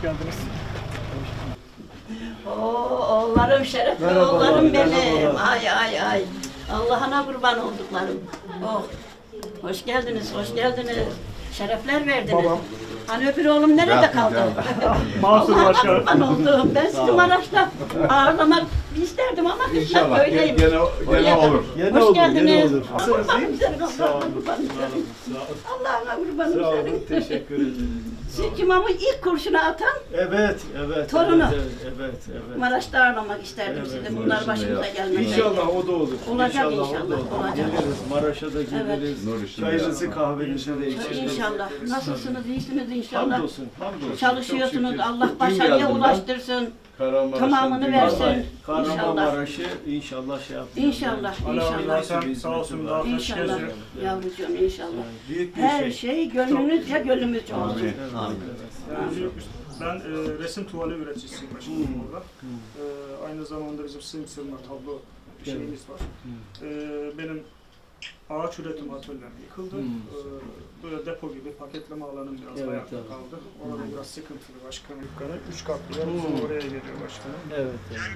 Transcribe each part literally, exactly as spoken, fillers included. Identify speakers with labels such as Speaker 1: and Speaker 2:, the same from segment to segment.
Speaker 1: geldiniz.
Speaker 2: Oo, oğullarım, şerefli
Speaker 1: Merhaba,
Speaker 2: oğullarım
Speaker 1: merhaba.
Speaker 2: benim. Ay ay ay. Allah'ına kurban olduklarım. Oh. Hoş geldiniz, hoş geldiniz. Şerefler verdiniz.
Speaker 1: Babam.
Speaker 2: Hani öbür oğlum nerede kaldı?
Speaker 1: Mansur
Speaker 2: Allah'ına
Speaker 1: Başkan.
Speaker 2: kurban oldum. Ben sizi Maraş'ta ağırlamak isterdim ama kısmet
Speaker 3: İnşallah
Speaker 2: böyleyim.
Speaker 3: gene, gene olur.
Speaker 1: Yine
Speaker 2: Hoş
Speaker 1: olur,
Speaker 2: geldiniz.
Speaker 1: yine olur.
Speaker 2: Allah'ım senin, Allah'ına kurban senin. Allah'ına kurbanım
Speaker 4: Sağ olun,
Speaker 2: senin.
Speaker 4: teşekkür ederim.
Speaker 2: Siz imamı ilk kurşuna atan
Speaker 4: Evet, evet.
Speaker 2: Torunu.
Speaker 4: Evet, evet, evet.
Speaker 2: Maraş'ta ağırlamak isterdim
Speaker 4: Evet,
Speaker 2: sizi. Bunlar başımıza gelmedi.
Speaker 4: İnşallah o da olur.
Speaker 2: Olacak
Speaker 4: o da
Speaker 2: inşallah,
Speaker 4: olur.
Speaker 2: olacak.
Speaker 4: Geliriz, Maraş'a da geliriz.
Speaker 3: Nur içinde
Speaker 4: Çayınızı,
Speaker 3: ya.
Speaker 4: kahvenizi de içeriz.
Speaker 2: İnşallah. Nasılsınız? İyisiniz inşallah.
Speaker 4: Hamdolsun, hamdolsun.
Speaker 2: Çalışıyorsunuz.
Speaker 4: Çok şükür.
Speaker 2: Allah
Speaker 3: Dün
Speaker 2: başarıya
Speaker 3: geldim ben.
Speaker 2: ulaştırsın.
Speaker 3: Kahramanmaraş'ın
Speaker 2: Tamamını
Speaker 3: dün-
Speaker 2: versin.
Speaker 4: Vallahi Kahramanmaraş'ı inşallah şey yapıyor.
Speaker 2: İnşallah, inşallah.
Speaker 1: Sen sağ olsun daha hoş
Speaker 2: İnşallah.
Speaker 1: geziyor.
Speaker 2: Yavrucuğum inşallah.
Speaker 4: Büyük bir
Speaker 2: Her
Speaker 4: şey.
Speaker 2: şey gönlünüzce gönlümüzce olsun.
Speaker 3: Amin.
Speaker 4: Evet, evet.
Speaker 1: Ben e, resim tuvali üreticisiyim başkanım orada. E, aynı zamanda bizim sığım sığınma tablo şeyimiz var. E, benim ağaç üretim atölyem yıkıldı.
Speaker 4: Hmm.
Speaker 1: E, böyle depo gibi paketleme alanım biraz
Speaker 4: Evet,
Speaker 1: ayakta
Speaker 4: evet.
Speaker 1: kaldı. Orada biraz sıkıntılı başkanım. Dükkanı üç katlı yer bizim oraya geliyor başkanım.
Speaker 4: Evet, evet.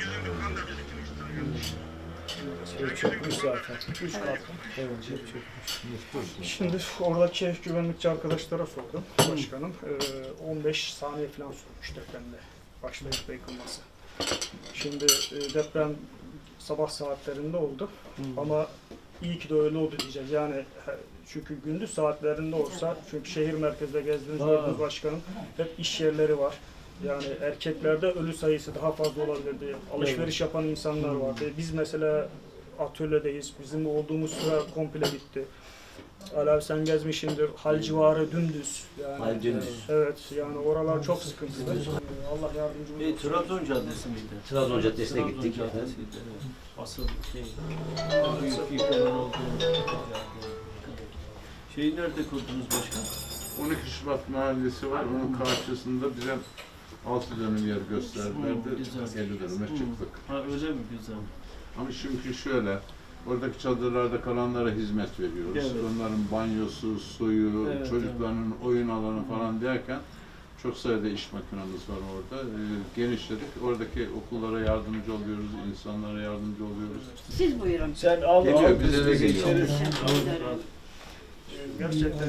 Speaker 4: Şey çökmüş zaten.
Speaker 1: Üç katlı.
Speaker 4: Evet, çok çökmüş.
Speaker 1: Şimdi oradaki güvenlikçi arkadaşlara sordum başkanım. Ee, on beş saniye falan sürmüş depremde başlayıp yıkılması. Şimdi e, deprem sabah saatlerinde oldu ama iyi ki de öyle oldu diyeceğiz. Yani he- çünkü gündüz saatlerinde olsa, çünkü şehir merkezde gezdiniz
Speaker 4: Ha.
Speaker 1: gördünüz başkanım, hep iş yerleri var. Yani erkeklerde ölü sayısı daha fazla olabilirdi. Alışveriş yapan insanlar vardı. Biz mesela atölyedeyiz. Bizim olduğumuz süre komple bitti. Ali abi sen gezmişsindir. Hal civarı dümdüz. Yani,
Speaker 5: Hal dümdüz.
Speaker 1: Evet yani oralar çok sıkıntılı. Ee, Allah yardımcımız
Speaker 4: E,
Speaker 1: olsun.
Speaker 4: Trabzon Caddesi miydi?
Speaker 5: Trabzon Caddesi'ne
Speaker 4: Trabzon
Speaker 5: gittik.
Speaker 4: Caddesi'ydi, evet. Asıl şey, büyük yıkımın olduğu yerde. Şeyi nerede kurdunuz başkan?
Speaker 3: on iki Şubat mahallesi var. Onun karşısında bize altı dönüm yer gösterdiler
Speaker 4: Hmm,
Speaker 3: de
Speaker 4: güzel.
Speaker 3: elli dönüme
Speaker 4: Hmm.
Speaker 3: çıktık.
Speaker 4: Ha öyle mi? Güzel.
Speaker 3: Ama çünkü şöyle, oradaki çadırlarda kalanlara hizmet veriyoruz.
Speaker 4: Evet.
Speaker 3: Onların banyosu, suyu,
Speaker 4: Evet,
Speaker 3: çocuklarının oyun alanı falan derken çok sayıda iş makinamız var orada. Ee, genişledik. Oradaki okullara yardımcı oluyoruz, insanlara yardımcı oluyoruz.
Speaker 2: Siz buyurun.
Speaker 4: Sen al,
Speaker 3: Geliyor,
Speaker 4: al,
Speaker 3: bize de
Speaker 4: biz
Speaker 3: geliyor.
Speaker 4: içeriz.
Speaker 2: Teşekkür ederim.
Speaker 1: Ee, Gerçekten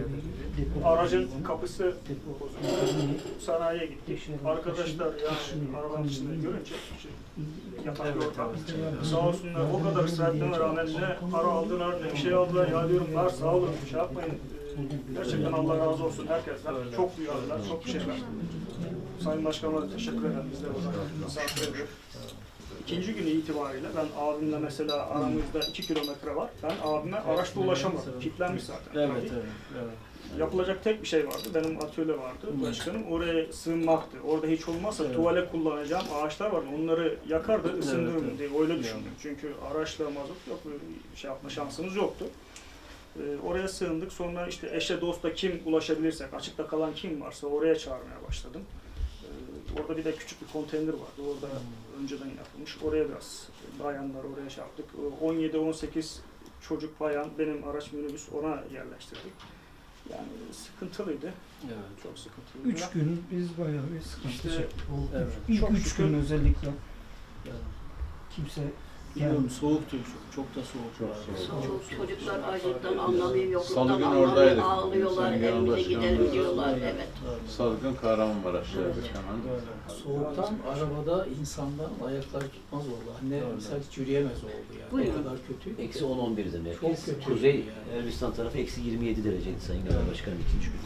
Speaker 1: aracın kapısı bozuldu. Sanayiye gittik. Arkadaşlar yani arabanın içinde görünce şey, yatak
Speaker 4: Evet,
Speaker 1: orada.
Speaker 4: evet.
Speaker 1: Sağ olsunlar o kadar ısrarlarına rağmen ne para aldılar ne bir şey aldılar. Ya diyorum var sağ olun şey yapmayın. Ee, Gerçekten Allah razı olsun herkesten. Çok duyarlılar, çok bir şeyler. Sayın Başkanıma da teşekkür ederim. Biz de burada misafir ediyoruz. İkinci günü itibariyle ben abimle mesela aramızda iki kilometre var. Ben abime araçla ulaşamadım. Kilitlenmiş zaten.
Speaker 4: Evet, evet, evet.
Speaker 1: Yapılacak tek bir şey vardı. Benim atölye vardı başkanım. Oraya sığınmaktı. Orada hiç olmazsa
Speaker 4: Evet.
Speaker 1: tuvale kullanacağım ağaçlar vardı. Onları yakardı, ısındırırım
Speaker 4: evet.
Speaker 1: diye öyle düşündüm. Çünkü araçla mazot yok, böyle bir şey yapma şansımız yoktu. Ee, oraya sığındık. Sonra işte eşe dosta kim ulaşabilirsek, açıkta kalan kim varsa oraya çağırmaya başladım. Ee, orada bir de küçük bir konteyner vardı. Orada
Speaker 4: Hmm.
Speaker 1: önceden yapılmış. Oraya biraz bayanlar oraya şey yaptık. on yedi on sekiz çocuk bayan benim araç minibüs ona yerleştirdik. Yani sıkıntılıydı.
Speaker 4: Evet.
Speaker 1: Çok sıkıntılıydı.
Speaker 6: Üç gün biz bayağı bir sıkıntı
Speaker 1: İşte,
Speaker 6: çektik. O
Speaker 4: evet.
Speaker 6: üç- İlk
Speaker 1: Çok
Speaker 6: üç
Speaker 1: şükür.
Speaker 6: gün özellikle
Speaker 4: Evet.
Speaker 6: kimse
Speaker 4: Bilmiyorum, soğuktu çok, çok da soğuk.
Speaker 3: Çok
Speaker 4: vardı.
Speaker 3: soğuk.
Speaker 2: Çok çocuklar acıktan anlamıyor, yokluktan
Speaker 3: Salı günü
Speaker 2: anlamıyor,
Speaker 3: oradaydık.
Speaker 2: ağlıyorlar,
Speaker 3: Sayın Genel
Speaker 2: evimize
Speaker 3: Başkanımız
Speaker 2: gidelim
Speaker 3: da-
Speaker 2: diyorlar, evet.
Speaker 3: Salgın Kahramanmaraş'taydık hemen.
Speaker 4: Böyle.
Speaker 6: soğuktan arabada insanlar ayakları tutmaz oldu. Anne
Speaker 4: Doğru.
Speaker 6: mesela hiç yürüyemez oldu yani.
Speaker 2: Buyurun.
Speaker 6: O kadar kötü.
Speaker 5: Eksi on on birdi merkez.
Speaker 6: Çok kötü
Speaker 5: Kuzey
Speaker 6: yani.
Speaker 5: Elbistan tarafı eksi yirmi yedi dereceydi Sayın Genel
Speaker 4: Evet.
Speaker 5: Başkanım ikinci gün.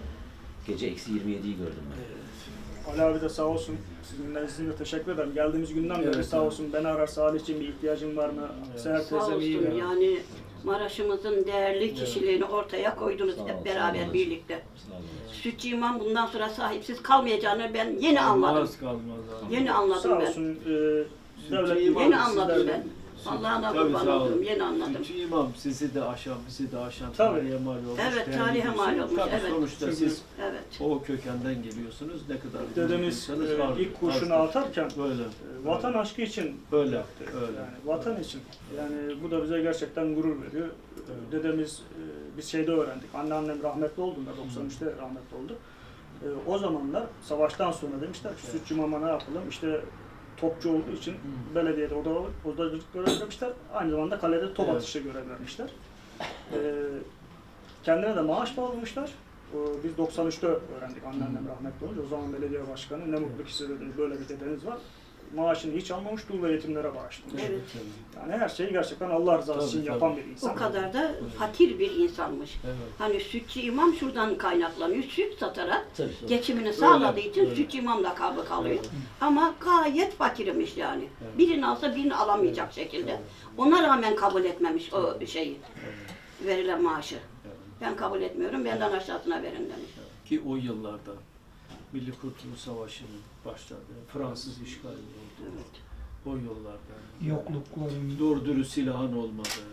Speaker 5: Gece eksi yirmi yediyi gördüm ben.
Speaker 1: Ali abi de sağ olsun. Sizin sizin de teşekkür ederim. Geldiğimiz günden beri
Speaker 4: Evet,
Speaker 1: sağ
Speaker 4: evet.
Speaker 1: olsun. Beni arar, Salih'ciğim bir ihtiyacın var mı?
Speaker 4: Evet.
Speaker 1: Seher
Speaker 2: Sağ
Speaker 1: teyzem iyi
Speaker 2: olsun
Speaker 1: mi?
Speaker 2: yani Maraş'ımızın değerli kişiliğini ortaya koydunuz
Speaker 5: Sağ ol,
Speaker 2: hep
Speaker 5: sağ ol
Speaker 2: beraber
Speaker 5: anacığım.
Speaker 2: birlikte.
Speaker 5: Sağ olun.
Speaker 2: Sütçü imam bundan sonra sahipsiz kalmayacağını ben yeni anladım.
Speaker 4: Olmaz kalmaz abi.
Speaker 2: Yeni anladım
Speaker 1: Sağ
Speaker 2: ben.
Speaker 1: olsun. E, devlet
Speaker 4: İmam
Speaker 2: Yeni anladım
Speaker 1: sizlerle-
Speaker 2: ben. Allah'ına
Speaker 4: Tabii,
Speaker 2: kurban
Speaker 4: sağ
Speaker 2: oldum,
Speaker 4: olun.
Speaker 2: yeni anladım.
Speaker 4: Çünkü imam sizi de aşan, bizi de aşan
Speaker 1: Tabii.
Speaker 4: tarihe mal olmuş.
Speaker 2: Evet,
Speaker 4: değerli
Speaker 2: tarihe
Speaker 4: birisi.
Speaker 2: mal olmuş,
Speaker 4: Tabii
Speaker 2: evet.
Speaker 4: sonuçta
Speaker 1: Çünkü-
Speaker 4: siz
Speaker 2: Evet.
Speaker 4: o kökenden geliyorsunuz. Ne kadar
Speaker 1: Dedemiz
Speaker 4: bilmiyorsanız
Speaker 1: e,
Speaker 4: vardır,
Speaker 1: ilk kurşunu
Speaker 4: vardır.
Speaker 1: atarken
Speaker 4: Böyle.
Speaker 1: e, vatan aşkı için
Speaker 4: Öyle,
Speaker 1: yaptı.
Speaker 4: öyle.
Speaker 1: Yani vatan için. Yani bu da bize gerçekten gurur veriyor.
Speaker 4: Evet.
Speaker 1: Dedemiz e, biz şeyde öğrendik. Anneannem rahmetli olduğunda doksan üçte rahmetli oldu. E, E, o zamanlar savaştan sonra demişler ki sütçü mama ne yapalım? İşte topçu olduğu için belediyede oda, odacılık görev vermişler. Aynı zamanda kalede top
Speaker 4: Evet.
Speaker 1: atışı görev vermişler. E, kendine de maaş bağlamışlar. E, biz doksan üçte öğrendik anneannem rahmetli olunca. O zaman belediye başkanı ne mutlu ki size dedi, böyle bir dedeniz var. Maaşını hiç almamış, dul ve yetimlere bağışlamış.
Speaker 2: Evet.
Speaker 1: Yani her şeyi gerçekten Allah rızası
Speaker 4: Tabii,
Speaker 1: için
Speaker 4: tabii.
Speaker 1: yapan bir insan.
Speaker 2: O kadar da fakir bir insanmış.
Speaker 4: Evet.
Speaker 2: Hani sütçü imam şuradan kaynaklanıyor. Süt satarak
Speaker 5: Tabii.
Speaker 2: geçimini sağladığı için
Speaker 4: öyle.
Speaker 2: sütçü imam lakabı kalıyor.
Speaker 4: Evet.
Speaker 2: Ama gayet fakirmiş yani.
Speaker 4: Evet.
Speaker 2: Birini alsa birini alamayacak şekilde. Ona rağmen kabul etmemiş o şeyi, verilen maaşı. Ben kabul etmiyorum, benden aşağısına verin demiş.
Speaker 4: Ki o yıllarda Milli Kurtuluş Savaşı'nın başladığı, Fransız işgali oldu.
Speaker 2: Evet.
Speaker 4: O yıllarda.
Speaker 7: yoklukların
Speaker 4: Doğru dürüst silahın olmadığı.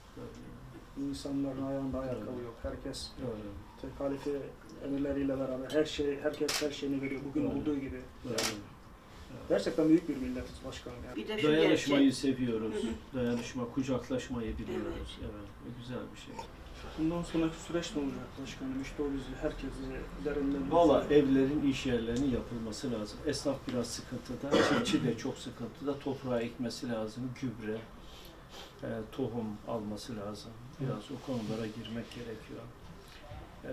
Speaker 1: İnsanların ayağında ayakkabı yok. Herkes
Speaker 4: Öyle.
Speaker 1: tek halife emirleriyle beraber her şey, herkes her şeyini veriyor. Bugün
Speaker 4: Evet.
Speaker 1: olduğu gibi.
Speaker 4: Öyle.
Speaker 1: Gerçekten büyük bir milletiz başkanım yani.
Speaker 2: Bir de şu
Speaker 4: Dayanışmayı
Speaker 2: gerçek.
Speaker 4: seviyoruz. Dayanışma, kucaklaşmayı biliyoruz. Evet. Bu güzel bir şey.
Speaker 1: Bundan sonraki süreç ne olacak başkanım? İşte o bizi, herkesi üzerinden...
Speaker 4: Valla evlerin, iş yerlerinin yapılması lazım. Esnaf biraz sıkıntıda, çiftçi de çok sıkıntıda. Toprağa ekmesi lazım, gübre, e, tohum alması lazım. Biraz o konulara girmek gerekiyor. E,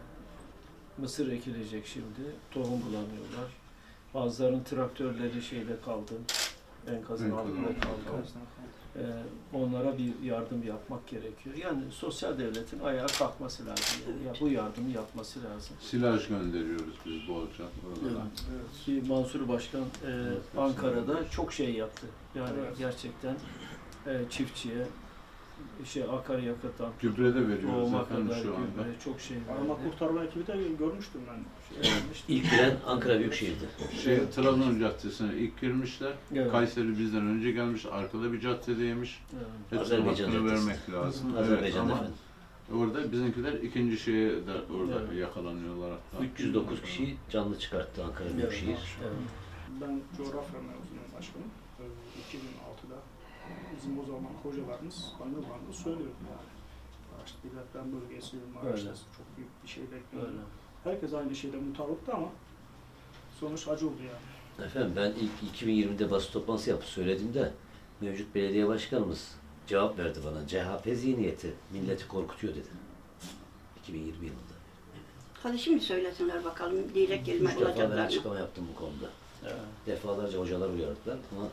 Speaker 4: mısır ekilecek şimdi, tohum bulamıyorlar. Bazılarının traktörleri şeyde kaldı, enkazın
Speaker 3: Enkazın
Speaker 4: altında
Speaker 3: altında
Speaker 4: kaldı. Ee, onlara bir yardım yapmak gerekiyor. Yani sosyal devletin ayağa kalkması lazım. Yani. Ya bu yardımı yapması lazım.
Speaker 3: Silaj gönderiyoruz biz bolca oralara.
Speaker 1: Evet.
Speaker 4: Ki Mansur Başkan e, Ankara'da çok şey yaptı. Yani
Speaker 1: Evet.
Speaker 4: gerçekten e, çiftçiye şey akaryakıttan
Speaker 3: Gübre de veriyoruz
Speaker 4: tohuma
Speaker 3: efendim
Speaker 4: kadar
Speaker 3: şu anda.
Speaker 4: gübre çok şey
Speaker 1: Arama
Speaker 4: verdi.
Speaker 1: kurtarma ekibi de görmüştüm ben. Şey, yapmıştım.
Speaker 5: İlk giren Ankara Büyükşehir'di.
Speaker 3: Şey, Trabzon Caddesi'ne ilk girmişler.
Speaker 4: Evet.
Speaker 3: Kayseri bizden önce gelmiş, arkada bir caddedeymiş.
Speaker 4: Evet.
Speaker 3: Hepsine
Speaker 5: Azerbaycan
Speaker 3: hakkını
Speaker 5: Caddesi.
Speaker 3: vermek lazım. Evet,
Speaker 5: Azerbaycan'da
Speaker 3: ama
Speaker 5: efendim.
Speaker 3: orada bizimkiler ikinci şeye de orada
Speaker 4: Evet.
Speaker 3: yakalanıyorlar hatta.
Speaker 5: üç yüz dokuz kişi canlı çıkarttı Ankara Büyükşehir.
Speaker 4: Evet.
Speaker 1: Ben coğrafya mezunuyum başkanım. Ee, iki bin altıda bizim o zaman hocalarımız bana bana söylüyordu yani. İşte bir deprem bölgesi, Maraş'tası çok büyük bir şey bekliyordu.
Speaker 4: Öyle.
Speaker 1: Herkes aynı şeyde mutabıktı ama sonuç acı oldu yani.
Speaker 5: Efendim ben ilk iki bin yirmide basın toplantısı yapıp söylediğimde mevcut belediye başkanımız cevap verdi bana. C H P zihniyeti milleti korkutuyor dedi. iki bin yirmi yılında.
Speaker 2: Hadi şimdi söylesinler bakalım diyecek kelime
Speaker 5: Üç defa ben
Speaker 2: olacaklar mı?
Speaker 5: açıklama yaptım bu konuda.
Speaker 4: Evet.
Speaker 5: Defalarca hocalar uyardılar ama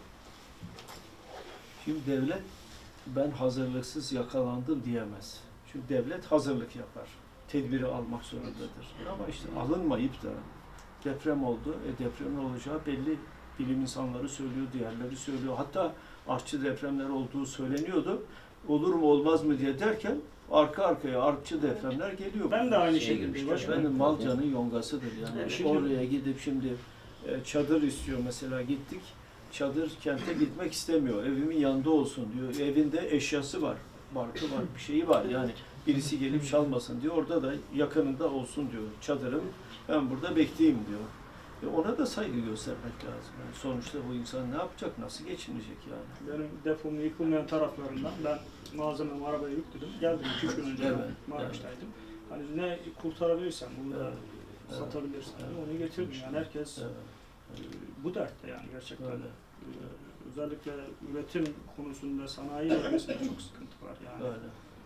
Speaker 4: Şimdi devlet ben hazırlıksız yakalandım diyemez. Çünkü devlet hazırlık yapar. Tedbiri almak zorundadır. Ama işte alınmayıp da deprem oldu. E depremin olacağı belli, bilim insanları söylüyor, diğerleri söylüyor. Hatta artçı depremler olduğu söyleniyordu. Olur mu olmaz mı diye derken arka arkaya artçı depremler geliyor.
Speaker 1: Ben de aynı
Speaker 5: Şeye
Speaker 1: şey
Speaker 5: girmiş,
Speaker 1: gibi
Speaker 5: başkanım.
Speaker 1: başkanım.
Speaker 4: Efendim Malca'nın yongasıdır yani.
Speaker 2: Evet.
Speaker 4: Oraya gidip şimdi e, çadır istiyor mesela gittik. Çadır kente gitmek istemiyor. Evimin yanında olsun diyor. Evinde eşyası var. Barkı var, bir şeyi var. Yani birisi gelip çalmasın diyor. Orada da yakınında olsun diyor. Çadırım ben burada bekleyeyim diyor. E ona da saygı göstermek lazım. Yani sonuçta bu insan ne yapacak, nasıl geçinecek yani?
Speaker 1: Benim depomun yıkılmayan taraflarından ben malzememi arabaya yükledim. Geldim iki üç gün önce
Speaker 4: Evet,
Speaker 1: Maraş'taydım. Hani ne kurtarabilirsem, bunu da
Speaker 4: Evet, evet,
Speaker 1: satabilirsem
Speaker 4: evet.
Speaker 1: onu getirdim. Yani herkes
Speaker 4: Evet,
Speaker 1: e, bu dertte yani gerçekten.
Speaker 4: öyle.
Speaker 1: E, Özellikle üretim konusunda sanayi bölgesinde çok sıkıntı var yani.
Speaker 4: Öyle.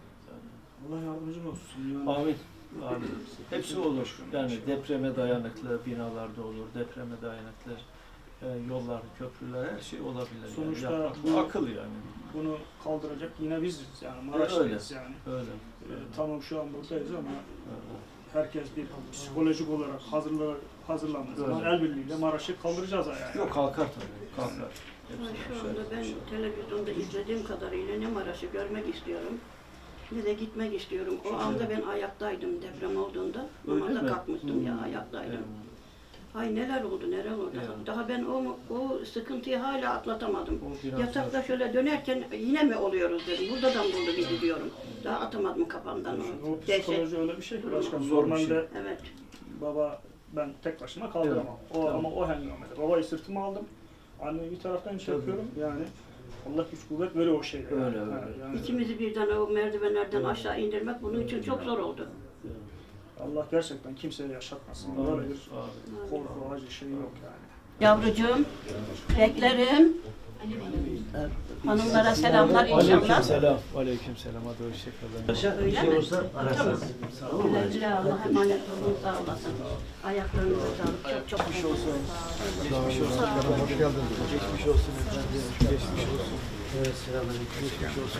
Speaker 1: Allah yardımcın olsun. Yani.
Speaker 4: Amin. Amin. Hepsi olur. Yani depreme dayanıklı binalarda olur, depreme dayanıklı e, yollar, köprüler, her şey olabilir.
Speaker 1: Sonuçta
Speaker 4: yani yapmak,
Speaker 1: bu-
Speaker 4: bu akıl yani.
Speaker 1: Bunu kaldıracak yine biziz yani Maraş'tayız yani.
Speaker 4: Öyle.
Speaker 1: E, tamam şu an buradayız ama
Speaker 4: öyle.
Speaker 1: herkes bir psikolojik olarak hazırla, hazırlandığı zaman el birliğiyle Maraş'ı kaldıracağız ayağa.
Speaker 4: Yok kalkar tabii. Kalkar.
Speaker 2: Ama
Speaker 4: Hepsi
Speaker 2: şu
Speaker 4: aşağı
Speaker 2: anda ben
Speaker 4: yukarı.
Speaker 2: televizyonda izlediğim kadarıyla ne Maraş'ı görmek istiyorum ne de gitmek istiyorum. O
Speaker 4: Şimdi-
Speaker 2: anda ben ayaktaydım deprem olduğunda.
Speaker 4: Öyle
Speaker 2: Namazda
Speaker 4: mi?
Speaker 2: kalkmıştım ya
Speaker 4: Hmm.
Speaker 2: ayaktaydım.
Speaker 4: Evet.
Speaker 2: Ay neler oldu neler oldu.
Speaker 4: Evet.
Speaker 2: Daha ben o, o sıkıntıyı hala atlatamadım.
Speaker 4: O biraz
Speaker 2: Yatakta
Speaker 4: zor.
Speaker 2: şöyle dönerken yine mi oluyoruz dedim. Burada da buldu bizi diyorum. Daha atamadım kafamdan
Speaker 1: O
Speaker 2: o dehşet.
Speaker 1: psikoloji öyle bir şey ki başkanım.
Speaker 4: Zor bir
Speaker 1: Normalde
Speaker 4: şey.
Speaker 2: Evet.
Speaker 1: baba ben tek başıma kaldıramam. O
Speaker 4: Tamam.
Speaker 1: ama o hengamede. Babayı sırtıma aldım. Anneyi bir taraftan çekiyorum. Yani Allah güç kuvvet veriyor o şeyde.
Speaker 4: Öyle,
Speaker 1: yani.
Speaker 4: öyle.
Speaker 1: Ha, yani
Speaker 2: İkimizi birden o merdivenlerden aşağı indirmek bunun için çok zor oldu.
Speaker 1: Allah gerçekten kimseye yaşatmasın. Böyle bir korku, acı şey yok yani.
Speaker 2: Yavrucuğum, beklerim. Hanımlara selamlar inşallah.
Speaker 4: Selam. Aleyküm selam. Hadi hoşçakalın.
Speaker 2: Öyle mi? Tamam. Güle güle Allah'a emanet olun. Sağ olasın. Ayaklarınıza sağlık. Çok çok geçmiş olsun.
Speaker 4: Geçmiş olsun. Hoş geldiniz. Geçmiş olsun efendim. Geçmiş olsun. Evet, selamünaleyküm. Geçmiş olsun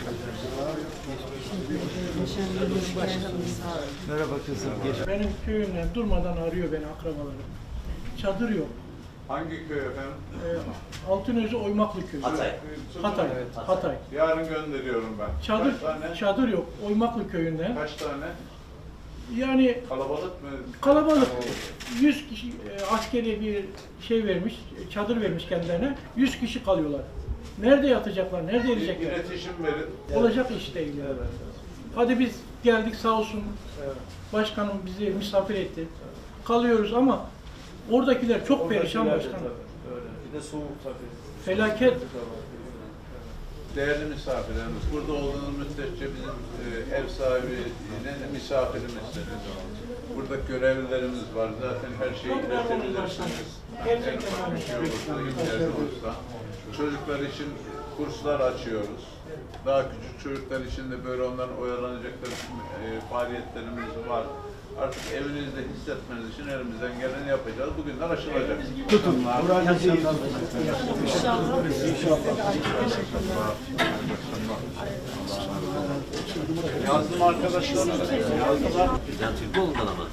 Speaker 4: efendim. Merhaba kızım. Geç.
Speaker 7: Benim köyümden durmadan arıyor beni akrabalarım. Çadır yok.
Speaker 3: Hangi köy efendim?
Speaker 7: Ee, Altınözü Oymaklı köyü.
Speaker 5: Hatay.
Speaker 7: Hatay. Hatay.
Speaker 3: Yarın gönderiyorum ben.
Speaker 7: Çadır
Speaker 3: Kaç tane?
Speaker 7: çadır yok Oymaklı köyünden.
Speaker 3: Kaç tane?
Speaker 7: Yani
Speaker 3: Kalabalık mı?
Speaker 7: kalabalık. yüz kişi e, askeri bir şey vermiş, çadır vermiş kendilerine. yüz kişi kalıyorlar. Nerede yatacaklar? Nerede
Speaker 3: Bir
Speaker 7: yiyecekler?
Speaker 3: iletişim verin.
Speaker 7: Olacak iş değil yani. Hadi biz geldik sağ olsun. Başkanım bizi misafir etti. Kalıyoruz ama oradakiler çok perişan başkanım.
Speaker 4: Bir de soğuk tabii.
Speaker 7: Felaket.
Speaker 3: Değerli misafirlerimiz, burada olduğunuz müddetçe bizim e, ev sahibine misafirimizsiniz. Burada görevlilerimiz var. Zaten her şeyi
Speaker 7: Çok memnunum
Speaker 3: iletebilirsiniz.
Speaker 7: Gerçekten
Speaker 3: En ufak bir şey
Speaker 7: memnunum.
Speaker 3: olursa, ihtiyaç olursa. Çocuklar için kurslar açıyoruz. Daha küçük çocuklar için de böyle onların oyalanacakları e, faaliyetlerimiz var. Artık evinizde hissetmeniz için elimizden geleni yapacağız. Bugünler aşılacak. Tutun. Yazdım arkadaşlarına. Yazdılar.
Speaker 5: Bizden Türkoğlu'ndan ama.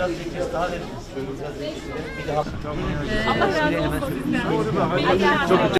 Speaker 8: Allah razı olsun.